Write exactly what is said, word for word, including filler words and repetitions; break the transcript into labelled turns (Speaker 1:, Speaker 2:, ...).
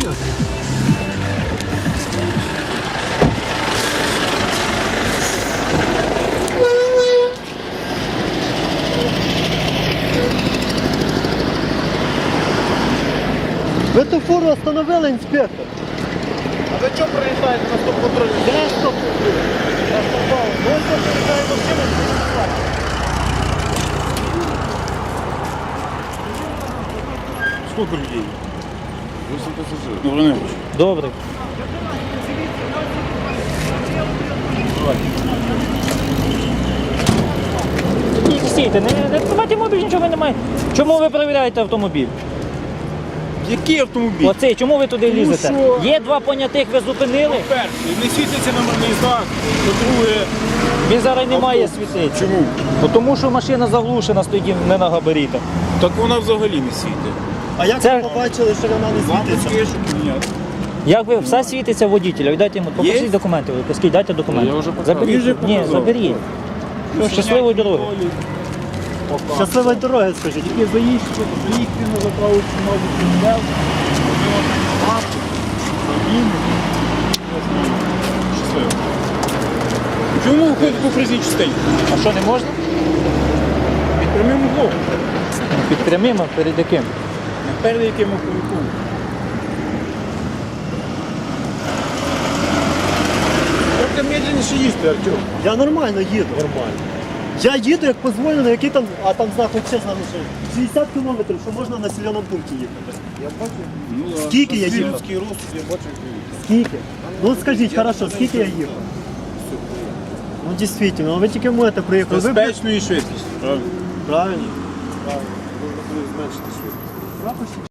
Speaker 1: Серйозно. Ви ту фуру остановили, інспектор?
Speaker 2: А ви чого приїжджаєте на стоп-контроль?
Speaker 1: Де стоп-контроль?
Speaker 2: Я сказав, ну ось тут приїжджає машина,
Speaker 3: Сколько людей? восемь пассажиров. Добрый день.
Speaker 1: Добре. Ні, стійте, не, не тримайте мобіль, нічого немає. Чому ви перевіряєте автомобіль?
Speaker 3: Який автомобіль?
Speaker 1: Оцей, чому ви туди лізете?
Speaker 3: що?
Speaker 1: Є два понятих, ви зупинили,
Speaker 3: Перший, не світиться номерний знак. По-друге,
Speaker 1: він зараз не має світитися.
Speaker 3: чому?
Speaker 1: Бо тому що машина заглушена, стоїть не на габаритах.
Speaker 3: Так вона взагалі не світить.
Speaker 2: А як
Speaker 1: Це-
Speaker 2: ви побачили, що вона не світиться?
Speaker 3: Лампочки, щоб міняти.
Speaker 1: Як ви, все світиться водителя, дайте йому, покажіть документи, ви скажіть, дайте документи.
Speaker 3: Я вже показав.
Speaker 1: Заберіть,
Speaker 3: Він же
Speaker 1: ні,
Speaker 3: показав.
Speaker 1: заберіть. Все, щасливої дороги.
Speaker 2: Щасливої дороги, скажіть.
Speaker 3: Тільки заїзд, заїхати на заправочку, мабуть, взяв. Щасливо. Чому виходить по проїзній частині?
Speaker 1: А що, не можна?
Speaker 3: Під прямим углом.
Speaker 1: Під прямим, а перед яким?
Speaker 3: Перед яким оповіком. Трохи медленніше їсти, Артем.
Speaker 2: Я нормально їду. Нормально. Я їду, як дозволено, який там, а там знак взагалі залишив. шістдесят кілометрів, що можна в населеному пункті їхати.
Speaker 3: Я бачу. Ну,
Speaker 2: Скільки я їхав?
Speaker 3: Людський рост, я бачу, як ви їдете.
Speaker 2: Скільки? Ну скажіть, хорошо, скільки я їхав? Ну дійсно, ви тільки можете приїхати. Ви
Speaker 3: Безпечно і швидкість. Правильно.
Speaker 2: правильно.
Speaker 3: Правильно. Можна буде зменшити швидкість.